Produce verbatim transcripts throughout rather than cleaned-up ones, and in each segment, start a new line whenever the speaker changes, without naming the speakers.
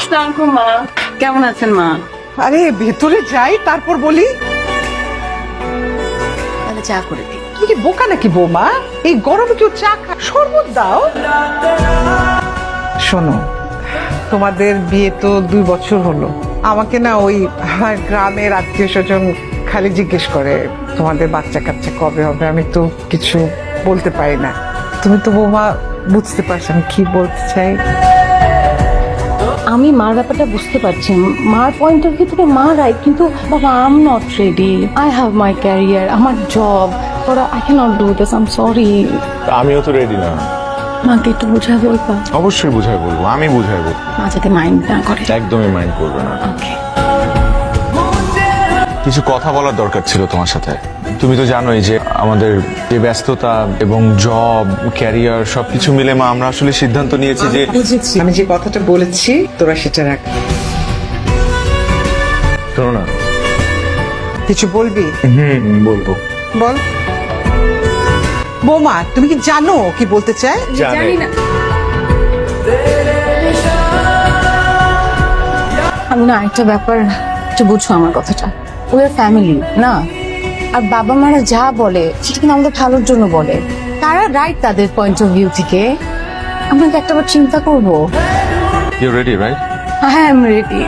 আসসালামু মা, কেমন আছেন মা?
আরে ভেতরে যাই তারপর বলি।
তাহলে চা করে দিই।
তুমি কি বোকা নাকি বৌমা? এই গরমে কেউ চা খায়? শরবত দাও। শোনো, তোমাদের বিয়ে তো দুই বছর হলো। আমাকে না ওই গ্রামের আত্মীয় স্বজন খালি জিজ্ঞেস করে তোমাদের বাচ্চা কাচ্চা কবে হবে। আমি তো কিছু বলতে পারি না। তুমি তো বৌমা বুঝতে পারছো আমি কি বলতে চাই।
আমি মার ব্যাপারটা বুঝতে পারছি, মার পয়েন্ট অফ ভিউ থেকে মা রাইট, কিন্তু বাবা I am not ready. I have my career, আমার জব, ওরা I can not do this. I am sorry.
আমিও তো রেডি না।
মাকে একটু বুঝায় বলবা?
অবশ্যই বুঝাই বলবো, আমি বুঝাই বলবো।
মা যাতে মাইন্ড না করে।
একদমই মাইন্ড করবে না।
ওকে।
কিছু কথা বলার দরকার ছিল তোমার সাথে। তুমি তো জানোই যে আমাদের যে ব্যস্ততা এবং জব ক্যারিয়ার সবকিছু মিলে মা আমরা আসলে সিদ্ধান্ত নিয়েছি যে
বুঝেছি, আমি যে কথাটা বলেছি তোরা সেটা রাখ।
শোনো না।
কিছু বলবি?
হুম বলবো।
বল। বৌমা তুমি কি জানো কি বলতে চায়?
জানি না।
আমি না একটা ব্যাপার একটু বুঝছো আমার কথাটা। উই আর ফ্যামিলি না, আর বাবা মারা যা বলে সেটা কিন্তু আমাদের ভালোর জন্য বলে। তারা রাইট তাদের পয়েন্ট অফ ভিউ থেকে। আমরা কি একটাবার চিন্তা করবো?
You ready right?
হ্যাঁ আই এম রেডি।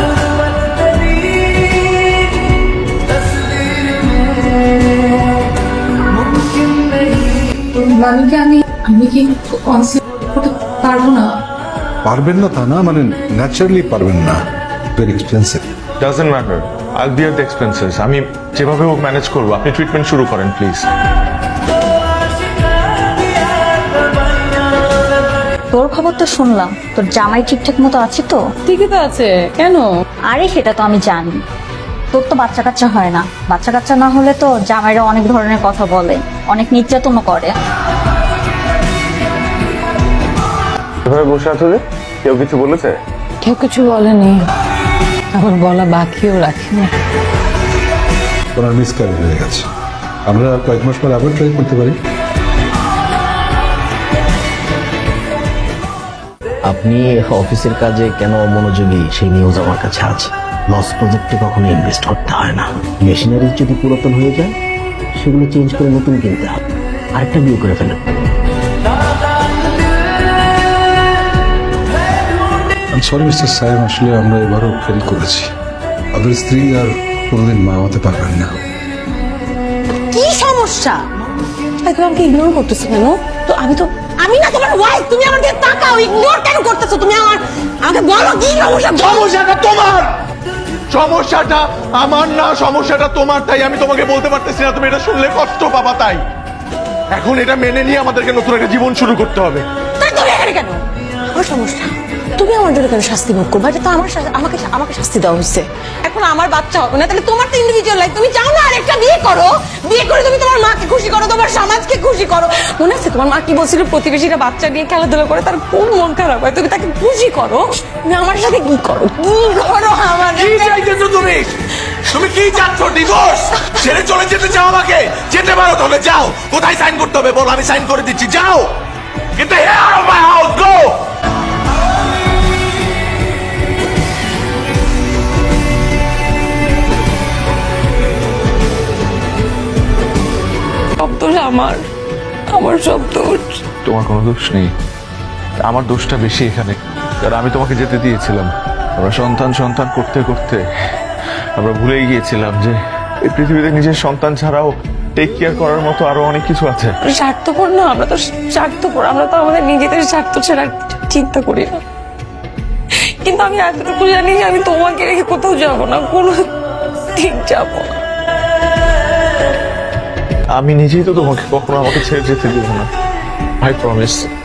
মানে কি আমি আমি কি কনসেপ্ট করতে পারবো না?
পারবেন না তা না, মানে ন্যাচারালি পারবেন না। Very expensive.
Doesn't matter, I will bear the expenses. আমি যেভাবে হোক ম্যানেজ করবো। আপনি ট্রিটমেন্ট শুরু করেন প্লিজ।
তোর খবর তো শুনলাম, তোর জামাই ঠিকঠাক মতো আছে তো?
ঠিকই তো আছে, কেন?
আরে সেটা তো আমি জানি, তোর তো বাচ্চা কাচ্চা হয় না। বাচ্চা কাচ্চা না হলে তো জামাইরা অনেক ধরনের কথা বলে, অনেক নির্যাতনও করে।
এভাবে বসে আছো যে, কেউ কিছু বলেছে?
কেউ কিছু বলেনি, আবার বলা বাকিও রাখিনি।
ওনার মিসক্যারেজ হয়ে গেছে। আমরা কয়েক মাস পর আবার ট্রাই করতে পারি।
আপনি অফিসের কাজে কেন মনোযোগী সেই নিউজ আমার কাছে আছে। লস প্রজেক্টে কখনো ইনভেস্ট করতে হয় না। মেশিনারি যদি পুরাতন হয়ে যায় সেগুলো চেঞ্জ করে নতুন কিনতে হবে। আরেকটা বিয়ে করে ফেলেন।
সরি মিস্টার সাহেব, আসলে আমরা এবারও ফেল করেছি। আপনার স্ত্রী আর কোনোদিন মা হতে পারবেন না।
কি সমস্যা? তুমি আমাকে ইগনোর করতেছো কেন? তো আমি তো আমি না তোমার ওয়াইফ, তুমি আমার দিকে তাকাও। ইগনোর কেন করতেছো তুমি আমার? আমাকে বলো কি সমস্যা?
সমস্যাটা তোমার, সমস্যাটা আমার না, সমস্যাটা তোমার। তাই আমি তোমাকে বলতে পারতেছি না, তুমি এটা শুনলে কষ্ট পাবা। তাই এখন এটা মেনে নিয়ে আমাদেরকে নতুন একটা জীবন শুরু করতে হবে।
তাই তুমি এখানে কেন? আমার সমস্যা তুমি আমার জন্য কেন শাস্তি ভোগ করবে? এটা তো আমার শা- আমাকে আমাকে শাস্তি দেওয়া হয়েছে। এখন আমার বাচ্চা হবে না, তাহলে তোমার তো ইন্ডিভিজুয়াল লাইফ। তুমি চাও না আরেকটা বিয়ে করো? বিয়ে করে তুমি তোমার মাকে খুশি করো, তোমার সমাজকে খুশি করো। মনে আছে তোমার মা কি বলছিল? প্রতিবেশীরা বাচ্চা নিয়ে খেলাধুলা করে, তার খুব মন খারাপ হয়। তুমি তাকে খুশি করো। তুমি আমার সাথে কি করো? কি করো আমার?
কি চাইতেছো তুমি? তুমি কি চাচ্ছ? ডিভোর্স? ছেড়ে চলে যেতে চাও আমাকে? যেতে পারো, তাহলে যাও। কোথায় সাইন করতে হবে বল, আমি সাইন করে দিচ্ছি। যাও, কিন্তু hey out of my house, go.
সব দোষ আমার, আমার সব দোষ।
তোমার কোনো দোষ নেই, আমার দোষটা বেশি এখানে। কারণ আমি তোমাকে যেতে দিয়েছিলাম। আমরা সন্তান সন্তান করতে করতে আমরা ভুলেই গিয়েছিলাম যে এই পৃথিবীতে নিজের সন্তান ছাড়াও টেক কেয়ার করার মতো আরো অনেক কিছু আছে।
স্বার্থপর না, আমরা তো স্বার্থপর। আমরা তো আমাদের নিজেদের স্বার্থ ছাড়া চিন্তা করি না। কিন্তু আমি এতটুকু জানি যে আমি তোমাকে রেখে কোথাও যাবো না, কোনো ঠিক যাবো না।
আমি নিজেই তো তোমাকে কখনো আমাকে ছেড়ে যেতে দেবো না। I promise.